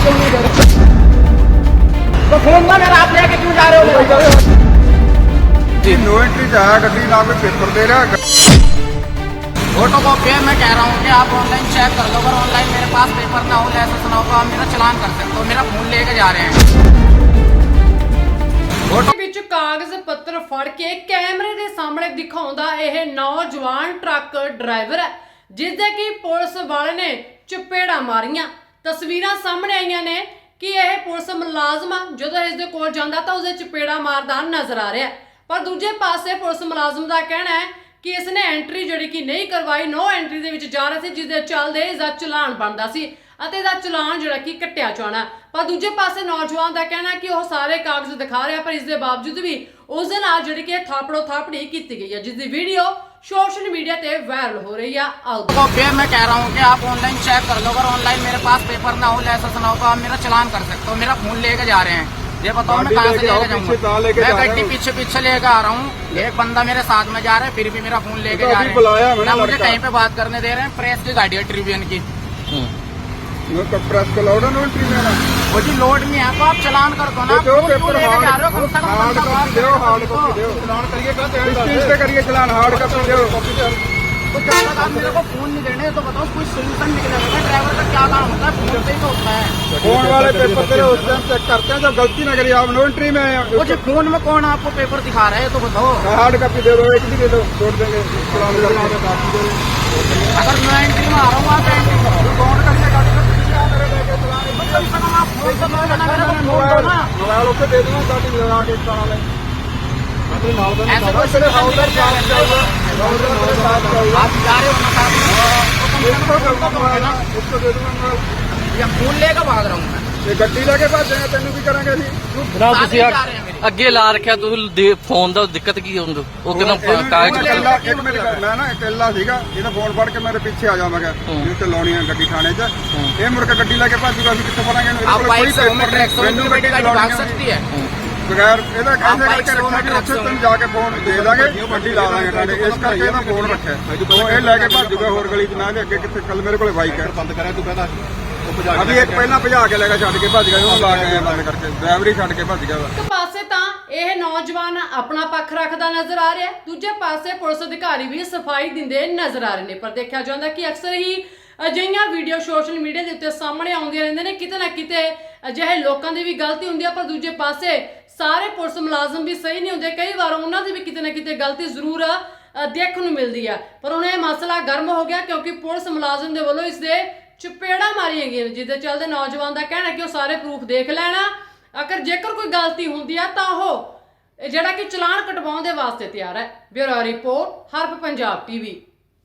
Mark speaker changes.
Speaker 1: क्यों नहीं दे रहे? तो फोन ना मेरा आप लेके क्यों जा रहे हो?
Speaker 2: नो एंट्री जाया गड्डी ना कोई पेपर दे रहा।
Speaker 1: फोटो कॉपी है, मैं कह रहा हूँ कि आप ऑनलाइन चेक कर लो। अगर ऑनलाइन मेरे पास पेपर ना हो, लाइसेंस ना हो तो आप मेरा चलान कर सकते हो। मेरा फोन लेके जा रहे हैं।
Speaker 3: ਵਿੱਚ ਕਾਗਜ਼ ਪੱਤਰ ਫੜ ਕੇ ਕੈਮਰੇ ਦੇ ਸਾਹਮਣੇ ਦਿਖਾਉਂਦਾ ਇਹ ਨੌਜਵਾਨ ਟਰੱਕ ਡਰਾਈਵਰ ਹੈ, ਜਿਸ ਦੇ ਕਿ ਪੁਲਿਸ ਵਾਲੇ ਨੇ ਚਪੇੜਾ ਮਾਰੀਆਂ। ਤਸਵੀਰਾਂ ਸਾਹਮਣੇ ਆਈਆਂ ਨੇ ਕਿ ਇਹ ਪੁਲਿਸ ਮੁਲਾਜ਼ਮ ਜਦੋਂ ਇਸ ਦੇ ਕੋਲ ਜਾਂਦਾ ਤਾਂ ਉਸਦੇ ਚਪੇੜਾ ਮਾਰਦਾ ਨਜ਼ਰ ਆ ਰਿਹਾ, ਪਰ ਦੂਜੇ ਪਾਸੇ ਪੁਲਿਸ ਮੁਲਾਜ਼ਮ ਦਾ ਕਹਿਣਾ ਹੈ ਕਿ ਇਸਨੇ ਐਂਟਰੀ ਜਿਹੜੀ ਕਿ ਨਹੀਂ ਕਰਵਾਈ, ਨੋ ਐਂਟਰੀ ਦੇ ਵਿੱਚ ਜਾ ਰਿਹਾ ਸੀ, ਜਿਸ ਦੇ ਚੱਲਦੇ ਇਸਦਾ ਚਲਾਨ ਬਣਦਾ ਸੀ ਅਤੇ ਇਹਦਾ ਚਲਾਨ ਜਿਹੜਾ ਕਿ ਕੱਟਿਆ ਜਾਣਾ। ਪਰ ਦੂਜੇ ਪਾਸੇ ਨੌਜਵਾਨ ਦਾ ਕਹਿਣਾ ਕਿ ਉਹ ਸਾਰੇ ਕਾਗਜ਼ ਦਿਖਾ ਰਿਹਾ, ਪਰ ਇਸ ਦੇ ਬਾਵਜੂਦ ਵੀ ਉਸ ਦੇ ਨਾਲ ਜਿਹੜੀ ਕਿ ਥਾਪੜੋ ਥਾਪੜੀ ਕੀਤੀ ਗਈ ਹੈ, ਜਿਸ ਦੀ ਵੀਡੀਓ सोशल मीडिया पे वायरल हो रही है।
Speaker 1: मैं कह रहा हूँ कि आप ऑनलाइन चेक कर लो। अगर ऑनलाइन मेरे पास पेपर ना हो, लाइसेंस ना हो तो आप मेरा चलान कर सकते हो। मेरा फोन लेके जा रहे हैं, ये बताओ मैं कहाँ से लेके जाऊँगा? मैं गड्डी पीछे पीछे लेके आ रहा हूँ, एक बंदा मेरे साथ में जा रहा है, फिर भी मेरा फोन लेके जा रहे हैं ना मुझे कहीं पे बात करने दे रहे हैं। प्रेस की गाड़ी है ट्रिब्यून की,
Speaker 2: प्रेस को लोड नो एंट्री में ना
Speaker 1: वो जी लोड नहीं है तो आप चलान कर दो ना।
Speaker 2: दो
Speaker 1: फोन क्यों
Speaker 2: पेपर
Speaker 1: लेके जा रहे हो? कम से कम
Speaker 2: हार्ड कॉपी दो, हार्ड कॉपी दो। चलान करिए किस चीज पे करिए चलान? हार्ड कॉपी दो।
Speaker 1: तो जब तक आप मेरे को फोन नहीं देने तो बताओ कोई सोल्यूशन निकलेगा। ड्राइवर का क्या काम होता है? फोन से ही तो होता है।
Speaker 2: फोन वाले पेपर तेरे उस टाइम चेक करते हैं जब गलती ना करिए। आप नो एंट्री में
Speaker 1: वो जो फोन में कौन आपको पेपर दिखा रहा है तो बताओ।
Speaker 2: हार्ड कॉपी दे दो, एक भी दे दो, छोड़ देंगे चलान करना है काफी दे दो।
Speaker 1: अगर मैं एंट्री में आ रहा हूँ आप एंट्री करो, कौन करके गाड़ी का कम से कम आप फोन तो मेरा फोन दो ना।
Speaker 2: मोबाइल उसे दे दूंगा गाड़ी लगा के चला ले।
Speaker 1: ऐसे कोई सिर्फ हाउसर साथ जाऊंगा, आप जा रहे हो ना साथ में,
Speaker 2: इसको दे दूंगा
Speaker 1: या फोन लेकर भाग रहा हूँ मैं।
Speaker 2: ये गड्डी लेके भाजेंगे तेन भी करेंगे जी।
Speaker 4: ਜਨਾਬ ਤੁਸੀਂ ਅੱਗੇ ਲਾ ਰੱਖਿਆ ਤੁਸੀਂ ਫੋਨ ਦਾ ਦਿੱਕਤ ਕੀ ਹੁੰਦਾ? ਉਹ ਕਹਿੰਦਾ ਕਾਗਜ਼
Speaker 2: ਇੱਕ ਮਿੰਟ ਮੈਂ ਨਾ ਇਕੱਲਾ ਸੀਗਾ, ਇਹਦਾ ਫੋਨ ਫੜ ਕੇ ਮੇਰੇ ਪਿੱਛੇ ਆ ਜਾਵਾਂਗਾ ਜੀ ਤੇ ਲਾਉਣੀ ਆ ਗੱਡੀ ਥਾਣੇ 'ਚ। ਇਹ ਮੁੜ ਕੇ ਗੱਡੀ ਲੈ ਕੇ ਭੱਜੂਗਾ, ਅਸੀਂ ਕਿੱਥੋਂ ਫੜਾਂਗੇ?
Speaker 1: आप बाइक से में ट्रैक से गाड़ी भाग सकती है।
Speaker 2: ਬਗੈਰ ਇਹਦਾ ਕਹਿੰਦੇ ਕਰਕੇ ਰੱਖਣਾ ਕਿ ਉੱਥੇ ਤੈਨੂੰ ਜਾ ਕੇ ਫੋਨ ਦੇ ਦਾਂਗੇ, ਗੱਡੀ ਲਾ ਦਾਂਗੇ ਥਾਣੇ। ਇਸ ਕਰਕੇ ਇਹਦਾ ਫੋਨ ਰੱਖਿਆ, ਉਹ ਇਹ ਲੈ ਕੇ ਭੱਜੂਗਾ ਹੋਰ ਗਲੀ 'ਚ ਨਾ। ਅੱਗੇ ਕਿੱਥੇ ਕੱਲ ਮੇਰੇ ਕੋਲੇ ਬਾਈਕ ਹੈ, ਬੰਦ ਕਰਿਆ ਤੂੰ ਕਹਿੰਦਾ ਅਭੀ ਇੱਕ ਪਹਿਲਾਂ ਭਜਾ ਕੇ ਲੈ ਗਿਆ, ਛੱਡ ਕੇ ਭੱਜ ਗਿਆ, ਉਹ ਲਾ ਕੇ ਬੰਦ ਕਰਕੇ ਡਰਾਈਵਰ ਹੀ ਛੱਡ ਕੇ ਭੱਜ ਗਿਆ।
Speaker 3: ਇੱਕ ਪਾਸੇ ਤਾਂ ਇਹ ਨੌਜਵਾਨ ਆਪਣਾ ਪੱਖ ਰੱਖਦਾ ਨਜ਼ਰ ਆ ਰਿਹਾ, ਦੂਜੇ ਪਾਸੇ ਪੁਲਿਸ ਅਧਿਕਾਰੀ ਵੀ ਸਫਾਈ ਦਿੰਦੇ ਨਜ਼ਰ ਆ ਰਹੇ ਨੇ। ਪਰ ਦੇਖਿਆ ਜਾਂਦਾ ਕਿ ਅਕਸਰ ਹੀ ਅਜਿਹੀਆਂ ਵੀਡੀਓ ਸੋਸ਼ਲ ਮੀਡੀਆ ਦੇ ਉੱਤੇ ਸਾਹਮਣੇ ਆਉਂਦੀਆਂ ਰਹਿੰਦੇ ਨੇ। ਕਿਤੇ ਨਾ ਕਿਤੇ ਅਜਿਹੇ ਲੋਕਾਂ ਦੀ ਵੀ ਗਲਤੀ ਹੁੰਦੀ ਹੈ, ਪਰ ਦੂਜੇ ਪਾਸੇ ਸਾਰੇ ਪੁਲਿਸ ਮੁਲਾਜ਼ਮ ਵੀ ਸਹੀ ਨਹੀਂ ਹੁੰਦੇ। ਕਈ ਵਾਰ ਉਹਨਾਂ ਦੀ ਵੀ ਕਿਤੇ ਨਾ ਕਿਤੇ ਗਲਤੀ ਜ਼ਰੂਰ ਦੇਖਣ ਨੂੰ ਮਿਲਦੀ ਹੈ। ਪਰ ਹੁਣ ਇਹ ਮਸਲਾ ਗਰਮ ਹੋ ਗਿਆ ਕਿਉਂਕਿ ਪੁਲਿਸ ਮੁਲਾਜ਼ਮ ਦੇ ਵੱਲੋਂ ਇਸ ਦੇ ਚਪੇੜਾ ਮਾਰੀਆਂ ਗਈਆਂ, ਜਿਹਦੇ ਚੱਲਦੇ ਨੌਜਵਾਨ ਦਾ ਕਹਿਣਾ ਕਿ ਉਹ ਸਾਰੇ ਪ੍ਰੂਫ ਦੇਖ ਲੈਣਾ, ਅਗਰ ਜੇਕਰ ਕੋਈ ਗਲਤੀ ਹੁੰਦੀ ਆ ਤਾਂ ਉਹ ਜਿਹੜਾ ਕਿ ਚਲਾਨ ਕਟਵਾਉਣ ਦੇ ਵਾਸਤੇ ਤਿਆਰ ਹੈ। ਬਿਊਰੋ ਰਿਪੋਰਟ, ਹਰਪ ਪੰਜਾਬ ਟੀਵੀ।